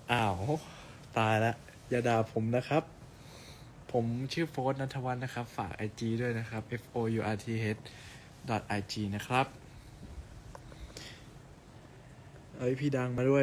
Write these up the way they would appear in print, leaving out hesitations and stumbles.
อ้าวตายแล้วอย่าด่าผมนะครับผมชื่อโฟร์ธณัฐวัฒน์นะครับฝาก IG ด้วยนะครับ fourth.ig นะครับเอ้ยพี่ดังมาด้วย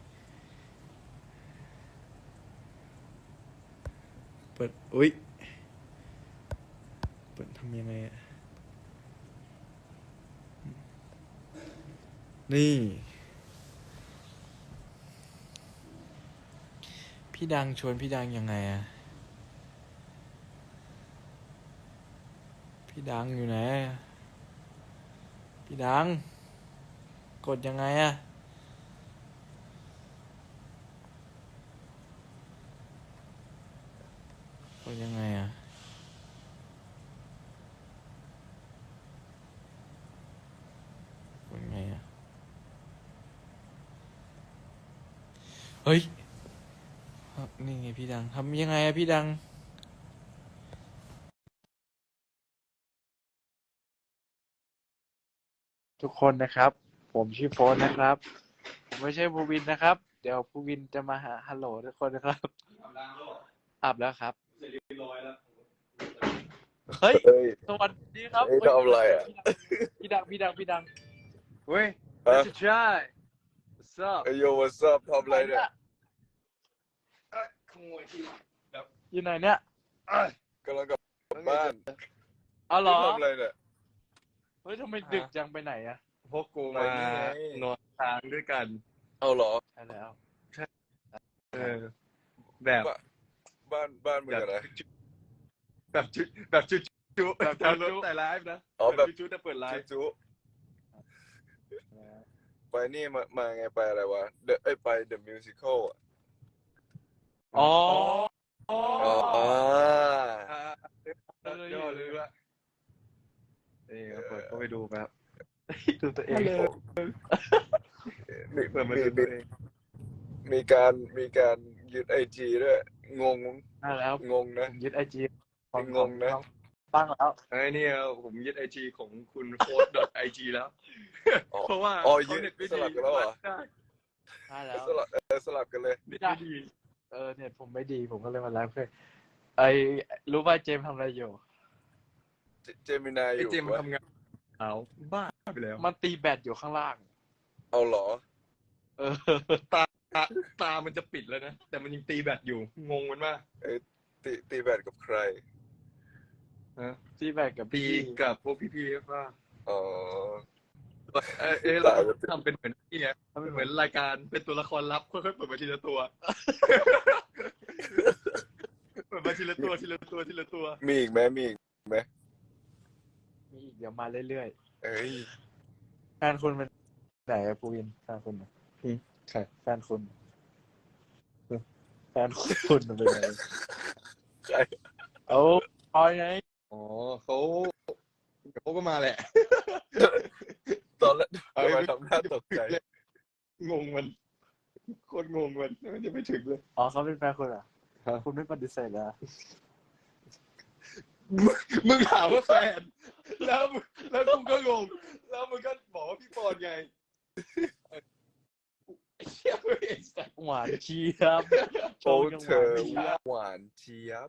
เปิดอุ๊ยเปิดทำยังไงอะนี่พี่ดังชวนพี่ดังยังไงอะพี่ดังอยู่ไหนพี่ดังกดยังไงอะกดยังไงอะกดยังไงอะเฮ้ยนี่ไงพี่ดังทำยังไงอะพี่ดังทุกคนนะครับผมชื่อโฟนนะครับผมไม่ใช่ภูวินนะครับเดี๋ยวภูวินจะมาหาฮัลโหลทุกคนนะครับอาบแล้วครับเฮ้ยเฮ้ยสวัสดีครับทำอะไรอ่ะพี่ดังเฮ้ยฮะ Let's try What's up เฮ้ยโย what's up ทำอะไรเนี่ยขโมยที่แบบอยู่ไหนเนี่ยกำลังกลับบ้านเอาเหรอทำอะไรเนี่ยเฮ้ยทำไมดึกจังไปไหนอะพวกกูไปมานี่ไงนอนค้างด้วยกันเอาเหรอใช่แล้วเออ แบบบ้านมึงอะไรแบบจุแบบจุจุแต่รถแต่ไลฟ์นะอ๋อแบบจุแต่เปิดไลฟ์จุไปนี่มาไงไปอะไรวะไป The Musical อ่ะอ๋ออ๋อเดี๋ยวเลยว่านี่เปิดก็ไปดูแบบดูตัวเองมีเปิดมามีดูตัวเองมีการยึดไอจีด้วยงงได้แล้วงงนะผมยึดไอจีงงนะตั้งแล้วไอ้นี่ผมยึดไอจีของคุณโฟร์ดไอจีแล้วอ๋อเพราะว่าอ๋อเขาเน็ตไม่สดีลับกันแล้วเหรอได้ได้แล้วสลับกันเลยเน็ตไม่ดีเน็ตผมไม่ดีผมก็เลยมาไลฟ์เพื่อไอรู้ป่ะเจมส์ทำอะไรอยู่เจมินายอไอยู่ เจมส์มันวะทำงานเอาบ้าไปแล้วมันตีแบตอยู่ข้างล่างเอาเหรอเออตามันจะปิดแล้วนะ แต่มันยังตีแบตอยู่ งงมันมากตีแบดกับใครตีแบตกับตีพี่กับพวกพี่ๆป่ะอ๋อเราทำเป็นเหมือนนี่ไงเหมือนรายการเป็นตัวละครลับค่อยๆเปิดมาทีละตัว เปิดมาทีละตัวทีละตัวทีละตัวมีอีกไหมมีอีกไหมมีอีกเดี๋ยวมาเรื่อยเอ้ยๆแฟนคุณเป็นไหนอะปูวินแฟนคุณอะใช่แฟนคุณแฟนคุณเป็นไงใครเอาพอยไงอ๋อเขาก็มาแหละตอนแรกทำไมทำหน้าตกใจงงมันโคตรงงมันจะไม่ถึงเลยอ๋อเขาเป็นแฟนคุณเหรอครับคุณไม่ปฏิเสธเลยมึงถามว่าแฟน แล้วกูก็งง แล้วมึงก็บอกว่าพี่ปอนไงไอ้เชี่ยไม่เห็นสัตว์หวานเชียบโอ้เธอชงยังหวานเจี๊ยบ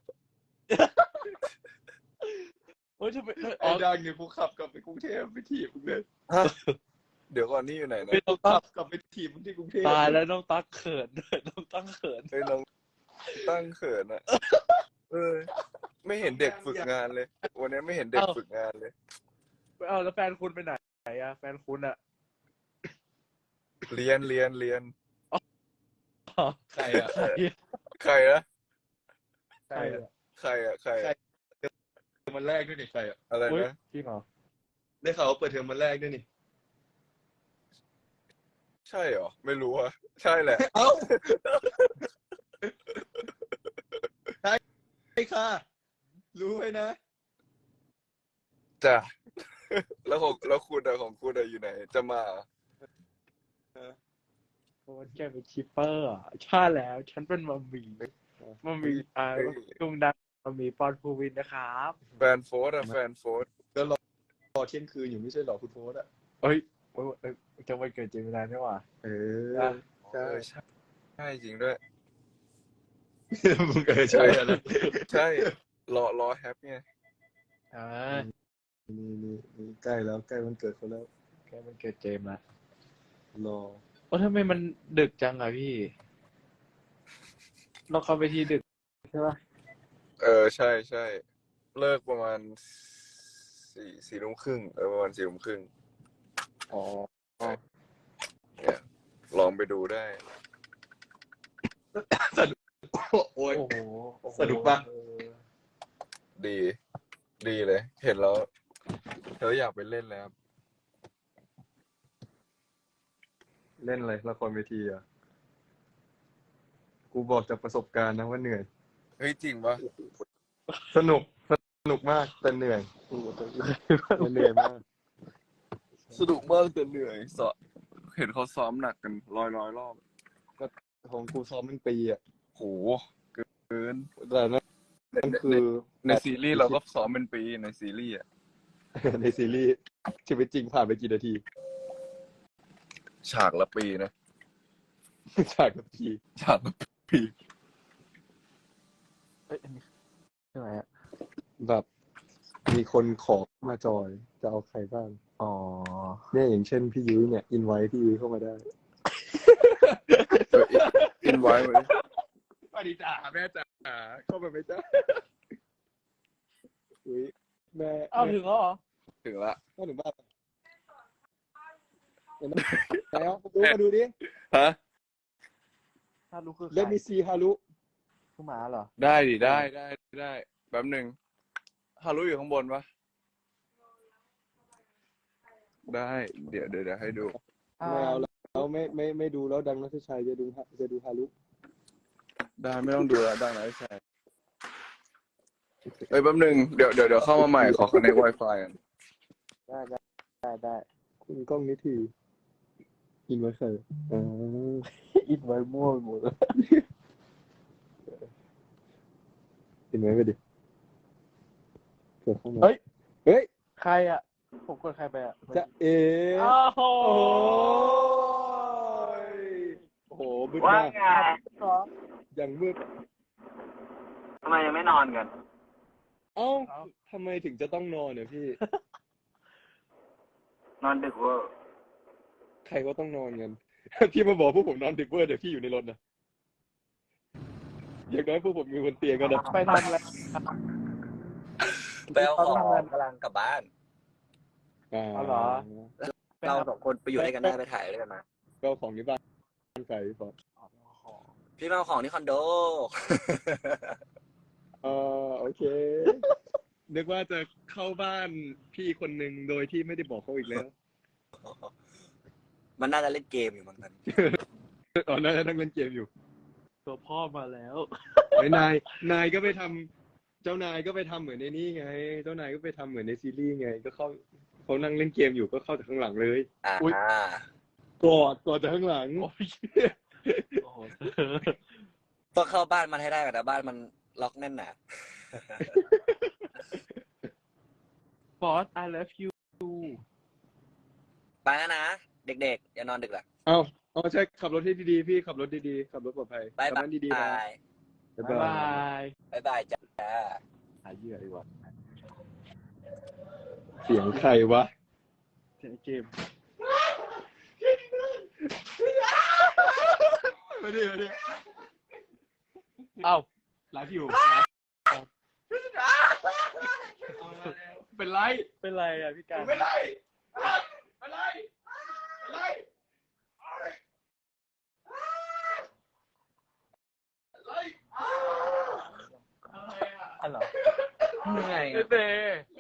โอ้ยทำไมไอ้ดังเนี่ยกูขับกลับไปกรุงเทพไปถีบมึงเลยฮะเดี๋ยวก่อนนี่อยู่ไหนนะไม่ต้องขัตั้บกลับไปถีบมึงที่กรุงเทพตายแล้วน้องตั๊กเขินด้วยน้องตั๊กเขินเฮ้ยน้องตั้งเขินอ่ะไม่เห็นเด็กฝึกงานเลย วันนี้ไม่เห็นเด็กฝึกงานเลยเอาแล้วแฟนคุณไปไหนอะแฟนคุณอะเรียนอ๋อใครอ่ะใครนะใครอ่ะใครอะเทอมวันแรกด้วยนี่ใครอ่ะอะไรอุ๊ยนะจริงเหรอได้ข่าวว่าเปิดเทอมวันแรกด้วยนี่ใช่เหรอไม่รู้อะใช่แหละเอ้าใช่ค่ะรู้ไว้นะจ้ะแล้วคุณอะของคุณอะอยู่ไหน จะมาเหรอโอ้ยแกเป็นคิปเปอร์อ่ะใช่แล้วฉันเป็นมัมมี่ดุงดังมัมมี่ปอนภูวินนะครับแฟนโฟร์อะแฟนโฟร์รอเที่ยงคืนอยู่ไม่ใช่หรอคุณโฟสอ่ะเอ้ยจะวันเกิดเจมินายนี่หว่าเอออ่ะใช่ใช่ใช่จริงด้วยมึงใช่อะไรใช่รอแฮปไงอ่านี่ใกล้แล้วใกล้วันเกิดเขาแล้วแค่มันเกิดเจมส์ละรอโอ้ทำไมมันดึกจังอะพี่ เราเข้าไปที่ดึกใช่ปะใช่ใช่เลิกประมาณสี่ทุ่มครึ่งประมาณ4 ทุ่มครึ่งอ๋อเนี่ยลองไปดูได้โอ้ยโอ้โหสนุกปะเออดีเลย เห็นแล้วอยากไปเล่นแล้วเล่นอะไรละครเวทีอ่ะกูบอกจากประสบการณ์นะว่าเหนื่อยเฮ้ยจริงปะสนุกมากแต่เหนื่อยเหนื่อยมากสนุกมากแต่เหนื่อยเห็นเขาซ้อมหนักกันร้อยรอบของกูซ้อมเป็นปีอ่ะโหเกินแต่นั่นคือในซีรีส์เราก็ซ้อมเป็นปีในซีรีส์อ่ะในซีรีส์ชีวิตจริงผ่านไปกี่นาทีฉากละปีนะฉากกับทีฉากละปีเอ้ยอันนี้ใช่ไหมอะแบบมีคนขอมาจอยจะเอาใครบ้างอ๋อเนี่ยอย่างเช่นพี่ยุ้ยเนี่ยอินไว้พี่ยุ้ยเข้ามาได้อินไว้ไว้สวัสดีจ้าแม่จ๋าเข้ามาไหมจ๊ะอุ้ยแม่อ้าวถึงแล้วเหรอถึงละเข้าถึงบ้านเห็นไหมแล้วมาดูดิฮะฮารุคือใครเลมีซีฮารุคือหมาเหรอได้ดิได้แป๊บหนึ่งฮารุอยู่ข้างบนปะได้เดี๋ยวให้ดูไม่เอาแล้วไม่ดูแล้วดังนัทชัยจะดูฮารุได้ไม่ต้องดูแล้วดังแล้วใช่เอ้ยแป๊บหนึ่งเดี๋ยวเข้ามาใหม่ขอ connect Wi-Fi กันได้คุณกล้องนิทีอินไว้ใครอ่าอินไว้มั่วไปหมดเลยอินไว้ไปดิเกิดเข้ามาเฮ้ยเฮ้ยใครอ่ะ ผมกดใครไปอ่ะจะเออ้าวโหโอ้โหมืดว่ามากไงอย่างมืดทำไมยังไม่นอนกันเอ้าทำไมถึงจะต้องนอนเนี่ยพี่นอนดึกเวอร์ใครก็ต้องนอนกัน พี่มาบอกพวกผมนอนดึกเวอร์เดี๋ยวพี่อยู่ในรถนะอย่างน้อยพวกผมมีบนเตียงกันนะไปทำอะไรไปเอาของกำลังกลับบ้านเอาเหรอ ไปเราทำสองคนไปอยู่ด้วยกันได้ไปถ่ายด้วยกันมาก็เอาของที่บ้านใส่พี่ฟอสพี่มาเอาของที่คอนโดโอเค นึกว่าจะเข้าบ้านพี่คนหนึ่งโดยที่ไม่ได้บอกเขาอีกแล้วมันน่าจะเล่นเกมอยู่มั้งตอนนี้ตอนนั้นนั่งเล่นเกมอยู่ตัวพ่อมาแล้วไอ้นายก็ไปทำเจ้านายก็ไปทำเหมือนในนี่ไง เจ้านายก็ไปทำเหมือนในซีรีส์ไง ก็เขานั่งเล่นเกมอยู่ก็เข้าจากข้างหลังเลยอุ๊ยกอดจากข้างหลังโอ้ยโอ้โหต้องเข้าบ้านมันให้ได้ก่อนนะบ้านมันล็อกแน่นหนาฟอส I love you ไปแล้วนะ เด็กๆ อย่านอนดึกล่ะเอาใช่ขับรถให้ดีๆพี่ขับรถดีๆขับรถปลอดภัยบายขับรถดีๆนะบายบ๊ายบาบายยบายบายจ้าหาเหยื่อดีกว่าเสียงใครวะเสียงเกมมาดิเอ้าไลฟ์อยู่เป็นไร เป็นไรอ่ะพี่การไม่ไรอันเหรอเหนื่อยเต้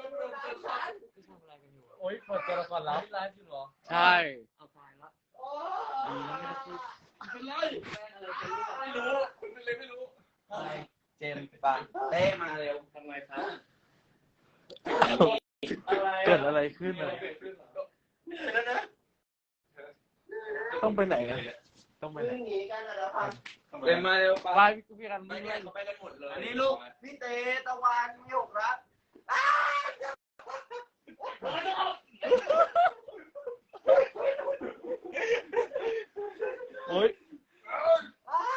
โอ๊ยเปิดตัวละครลับไลฟ์อยู่เหรอ ใช่ เอาตายละดีนะไม่ได้พูดเจมส์ปะเต้มาเร็วทำไมครับเกิดอะไรขึ้นอ่ะต้องไปไหนกันต้องไปไหนเจมส์มาเร็วปะไปพี่กันไปไม่เนี่ได้ยเขาไปกันหมดเลยอันนี้ลูกพี่เตตะวันหยกรักโอ๊ย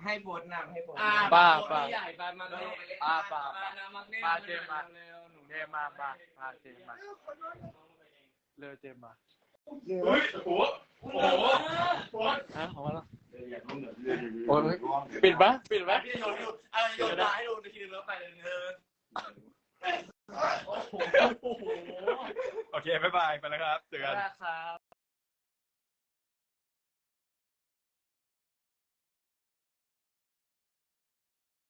ให้โบนนำให้โบนป้าป้าใหญ่ป้ามาเลยป้าป้ามาเจมมาเจมมาเจมมาเร็วเจมมาเฮ้ยโอ้โหฮะของมาแล้วโอ้ยปิดปะพี่โยนอยู่โยนตาให้ดูในทีนึงแล้วไปเลยโอเคบ๊ายบายไปแล้วครับเจอกันครับ